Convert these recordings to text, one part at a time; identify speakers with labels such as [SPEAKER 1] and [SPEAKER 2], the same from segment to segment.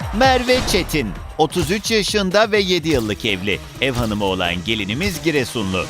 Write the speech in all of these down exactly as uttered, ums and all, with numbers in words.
[SPEAKER 1] Merve Çetin, otuz üç yaşında ve yedi yıllık evli. Ev hanımı olan gelinimiz Giresunlu.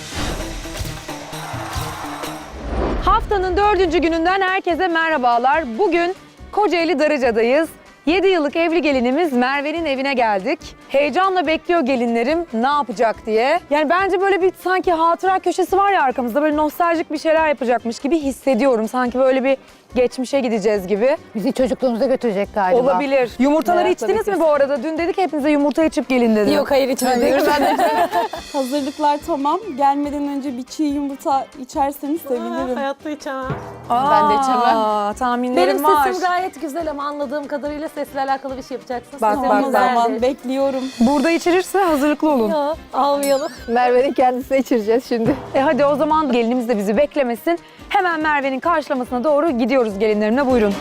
[SPEAKER 2] Haftanın dördüncü gününden herkese merhabalar. Bugün Kocaeli Darıca'dayız. yedi yıllık evli gelinimiz Merve'nin evine geldik. Heyecanla bekliyor gelinlerim ne yapacak diye. Yani bence böyle bir sanki hatıra köşesi var ya arkamızda, böyle nostaljik bir şeyler yapacakmış gibi hissediyorum. Sanki böyle bir geçmişe gideceğiz gibi.
[SPEAKER 3] Bizi çocukluğumuza götürecek galiba.
[SPEAKER 2] Olabilir. Yumurtaları
[SPEAKER 3] Evet,
[SPEAKER 2] içtiniz
[SPEAKER 3] tabii
[SPEAKER 2] mi
[SPEAKER 3] ki.
[SPEAKER 2] bu arada? Dün dedik hepinize yumurta içip gelin dedim.
[SPEAKER 3] Yok hayır içmedik.
[SPEAKER 4] Hazırlıklar tamam. Gelmeden önce bir çiğ yumurta içerseniz sevinirim.
[SPEAKER 5] Hayatta içemem.
[SPEAKER 2] Aa,
[SPEAKER 3] Ben de içemem.
[SPEAKER 2] tahminlerim
[SPEAKER 3] Benim
[SPEAKER 2] var.
[SPEAKER 3] sesim gayet güzel ama anladığım kadarıyla sesle alakalı bir şey yapacaksınız.
[SPEAKER 2] Bak,
[SPEAKER 3] Sizin
[SPEAKER 2] bak,
[SPEAKER 4] O
[SPEAKER 3] güzeldir.
[SPEAKER 4] zaman bekliyorum.
[SPEAKER 2] Burada içirirse hazırlıklı olun.
[SPEAKER 3] Ya, almayalım.
[SPEAKER 6] Merve'nin kendisine içireceğiz şimdi.
[SPEAKER 2] E hadi o zaman gelinimiz de bizi beklemesin. Hemen Merve'nin karşılamasına doğru gidiyoruz gelinlerimle, buyurun.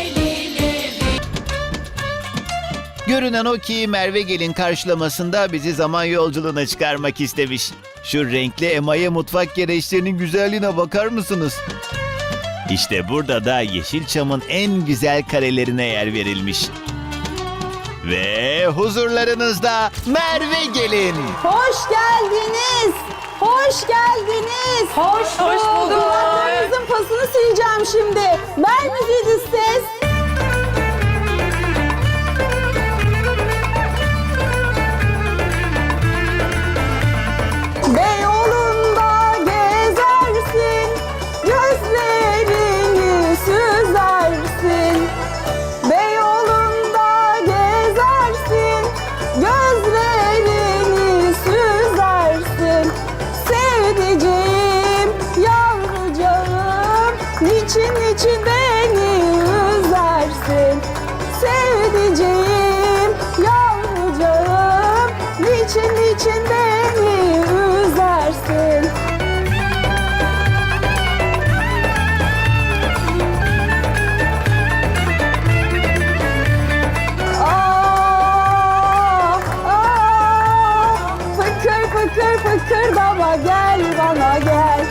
[SPEAKER 1] Görünen o ki Merve gelin karşılamasında bizi zaman yolculuğuna çıkarmak istemiş. Şu renkli emaye mutfak gereçlerinin güzelliğine bakar mısınız? İşte burada da Yeşilçam'ın en güzel karelerine yer verilmiş. Ve huzurlarınızda Merve gelin.
[SPEAKER 4] Hoş geldiniz. Hoş geldiniz.
[SPEAKER 2] Hoş, hoş bulduk.
[SPEAKER 4] Kulaklarınızın pasını sileceğim şimdi. Ver müziği ses. Beyoğlu'nda gezersin, gözlerini süzersin. Beyoğlu'nda gezersin, gözlerini süzersin. Sevdiceğim, yavrucağım, niçin niçin beni üzersin? Sevdiceğim, yavrucağım, niçin niçin beni üzersin? Ah, ah, fıkır fıkır fıkır baba gel bana gel.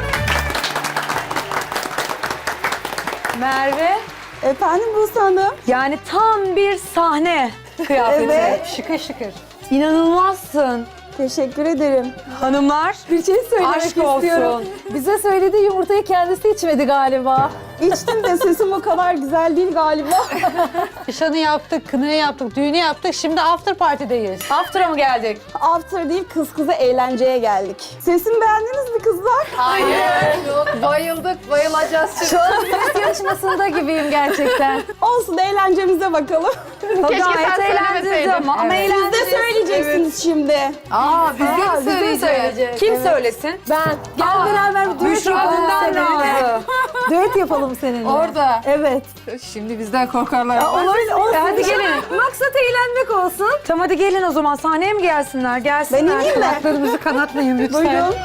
[SPEAKER 2] Merve,
[SPEAKER 4] Efendim Buse Hanım?
[SPEAKER 2] yani tam bir sahne kıyafeti.
[SPEAKER 4] Evet.
[SPEAKER 3] Şıkır şıkır.
[SPEAKER 2] İnanılmazsın.
[SPEAKER 4] Teşekkür ederim.
[SPEAKER 2] Hanımlar,
[SPEAKER 4] Bir şey söylemek
[SPEAKER 2] aşk
[SPEAKER 4] istiyorum.
[SPEAKER 2] olsun.
[SPEAKER 3] Bize söylediği yumurtayı kendisi içmedi galiba.
[SPEAKER 4] İçtim de sesim o kadar güzel değil galiba.
[SPEAKER 3] Nişanı yaptık, kınayı yaptık, düğünü yaptık. Şimdi after party'deyiz.
[SPEAKER 2] After'a mı geldik?
[SPEAKER 4] After değil kız kıza eğlenceye geldik. Sesimi beğendiniz mi kızlar?
[SPEAKER 6] Bayıldık, bayılacağız şimdi.
[SPEAKER 3] Şu an ses yarışmasında gibiyim gerçekten.
[SPEAKER 4] Olsun eğlencemize bakalım.
[SPEAKER 2] Keşke gayet eğlendiniz ama, ama
[SPEAKER 4] Siz de
[SPEAKER 2] eğlendiniz.
[SPEAKER 4] söyleyeceksiniz şimdi.
[SPEAKER 6] Aa, biz
[SPEAKER 3] Aa,
[SPEAKER 6] de
[SPEAKER 3] bize mi
[SPEAKER 6] söyleyeceğiz.
[SPEAKER 3] söyleyecek?
[SPEAKER 2] Kim söylesin?
[SPEAKER 3] Ben. Gel
[SPEAKER 2] Aa,
[SPEAKER 3] beraber bir düet
[SPEAKER 2] Büşra
[SPEAKER 3] yapalım
[SPEAKER 2] Dündar
[SPEAKER 3] seninle.
[SPEAKER 2] Nazlı.
[SPEAKER 3] Düet yapalım seninle.
[SPEAKER 6] Orada.
[SPEAKER 3] Evet.
[SPEAKER 6] Şimdi bizden korkarlar.
[SPEAKER 3] Olabilir, olsun.
[SPEAKER 2] Hadi gelin.
[SPEAKER 3] Maksat eğlenmek olsun.
[SPEAKER 2] Tamam hadi gelin o zaman, sahneye mi gelsinler? Gelsinler.
[SPEAKER 4] Ben ineyim mi?
[SPEAKER 2] Kulaklarımızı kanatmayın lütfen.
[SPEAKER 4] Buyurun.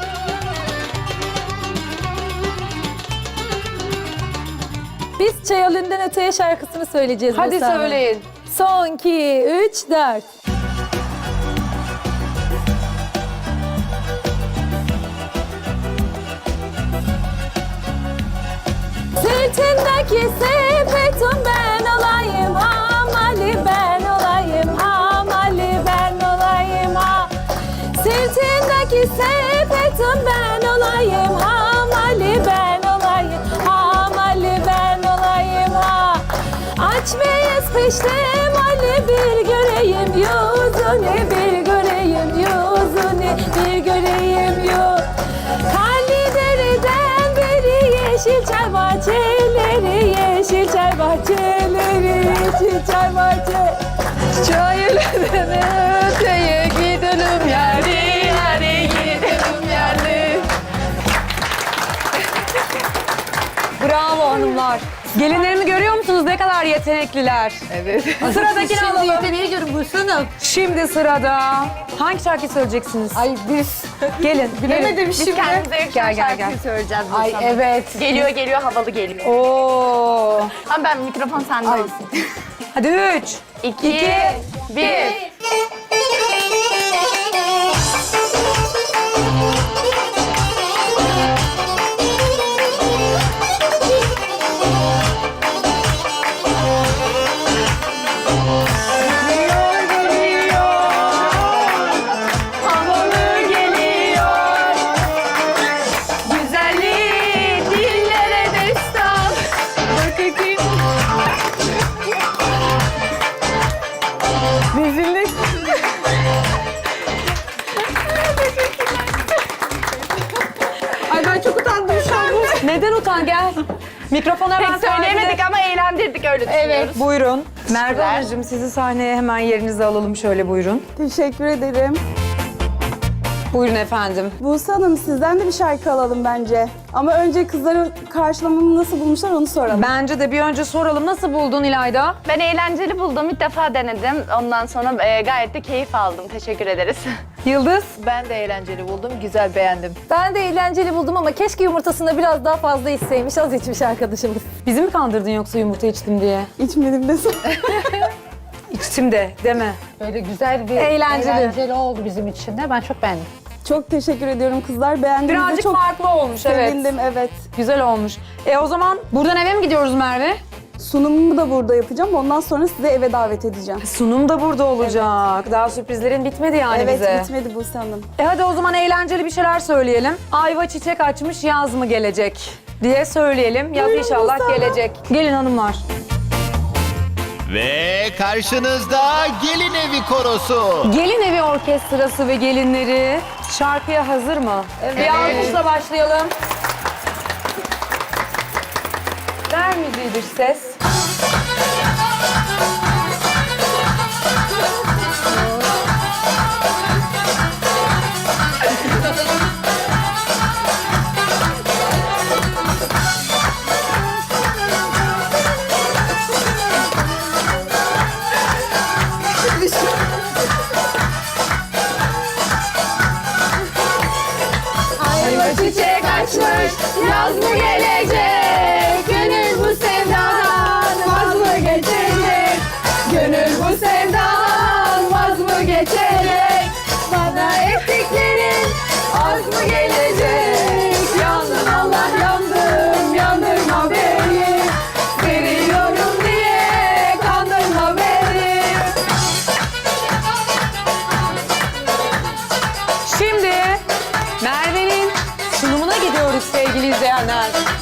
[SPEAKER 3] Biz Çayalından Öteye şarkısını söyleyeceğiz.
[SPEAKER 2] Hadi
[SPEAKER 3] Buse Hanım.
[SPEAKER 2] söyleyin.
[SPEAKER 3] Son, iki, üç, dört. Sırtındaki sepetim ben olayım, hamali ben olayım, hamali ben olayım, ha. Sırtındaki sepetim ben olayım, hamali ben olayım, hamali ben olayım, ha. Aç beyaz peştem Ali bir göreyim yüzünü, bir göreyim yüzünü, bir göreyim yüzünü. Karlı dereden beri yeşil çay bahçeleri, yeşil çay bahçeleri, yeşil çay bahçeleri.
[SPEAKER 6] Çayırlardan öteye gidelim yani, yani gidelim yani.
[SPEAKER 2] Bravo hanımlar. Gelinlerimi görüyor musunuz? Ne kadar yetenekliler.
[SPEAKER 6] Evet.
[SPEAKER 2] Sıradakini
[SPEAKER 3] Şimdi
[SPEAKER 2] alalım.
[SPEAKER 3] yeteneği görün Buse Hanım.
[SPEAKER 2] Şimdi sırada. Hangi şarkıyı söyleyeceksiniz?
[SPEAKER 3] Ay biz.
[SPEAKER 2] Gelin.
[SPEAKER 3] Bilemedim
[SPEAKER 2] Biz
[SPEAKER 3] şimdi.
[SPEAKER 2] kendimize yakışan
[SPEAKER 6] Gel gel
[SPEAKER 2] şarkıyı
[SPEAKER 6] gel.
[SPEAKER 2] söyleyeceğiz.
[SPEAKER 3] Ay evet.
[SPEAKER 5] Geliyor geliyor havalı geliyor.
[SPEAKER 2] Oo.
[SPEAKER 5] Ama ben mikrofon sende olsun.
[SPEAKER 2] Hadi üç.
[SPEAKER 5] İki, bir.
[SPEAKER 4] Rezillik. Ay ben çok utandım şu an.
[SPEAKER 2] Neden utan gel. Mikrofona hemen
[SPEAKER 5] Pek söyleyemedik
[SPEAKER 2] takip-
[SPEAKER 5] ama eğlendirdik öyle düşünüyoruz.
[SPEAKER 4] Evet.
[SPEAKER 2] Buyurun. Merve Hanımcığım sizi sahneye hemen yerinize alalım şöyle buyurun.
[SPEAKER 7] Teşekkür ederim.
[SPEAKER 2] Buyurun efendim.
[SPEAKER 7] Buse Hanım sizden de bir şarkı alalım bence. Ama önce kızların karşılamamı nasıl bulmuşlar onu soralım.
[SPEAKER 2] Bence de bir önce soralım. Nasıl buldun İlayda?
[SPEAKER 5] Ben eğlenceli buldum. İlk defa denedim. Ondan sonra e, gayet de keyif aldım. Teşekkür ederiz.
[SPEAKER 2] Yıldız?
[SPEAKER 6] Ben de eğlenceli buldum. Güzel, beğendim.
[SPEAKER 4] Ben de eğlenceli buldum ama keşke yumurtasında biraz daha fazla içseymiş. Az içmiş arkadaşımız.
[SPEAKER 2] Bizi mi kandırdın yoksa yumurta içtim diye?
[SPEAKER 7] İçmedim de
[SPEAKER 2] İçtim de deme.
[SPEAKER 3] Böyle güzel bir
[SPEAKER 2] Eğlenceli.
[SPEAKER 3] eğlenceli oldu bizim için de. Ben çok beğendim.
[SPEAKER 7] Çok teşekkür ediyorum kızlar. Beğendiğinizde
[SPEAKER 2] Birazcık
[SPEAKER 7] çok
[SPEAKER 2] farklı olmuş evet.
[SPEAKER 7] sevindim. Evet.
[SPEAKER 2] Güzel olmuş. E o zaman buradan eve mi gidiyoruz Merve?
[SPEAKER 7] Sunumumu da burada yapacağım. Ondan sonra sizi eve davet edeceğim.
[SPEAKER 2] Sunum da burada olacak. Daha sürprizlerin bitmedi yani
[SPEAKER 7] evet
[SPEAKER 2] bize.
[SPEAKER 7] bitmedi Buse Hanım.
[SPEAKER 2] E hadi o zaman eğlenceli bir şeyler söyleyelim. Ayva çiçek açmış yaz mı gelecek diye söyleyelim. Yaz inşallah gelecek. Gelin hanımlar.
[SPEAKER 1] Ve karşınızda gelin evi korosu.
[SPEAKER 2] Gelin evi orkestrası ve gelinleri şarkıya hazır mı? Evet. Bir alkışla başlayalım. Ver müziği dış ses.
[SPEAKER 5] Çiçek açmış, yaz mı gelecek? Gönül bu sevdadan vaz mı geçecek? Gönül bu sevdadan vaz mı geçecek? Bana ettiklerin az mı gelecek? Yandım Allah yandım, yandırma beni. Seviyorum diye kandırma beni.
[SPEAKER 2] Şimdi Merve'nin sunumuna gidiyoruz sevgili izleyenler.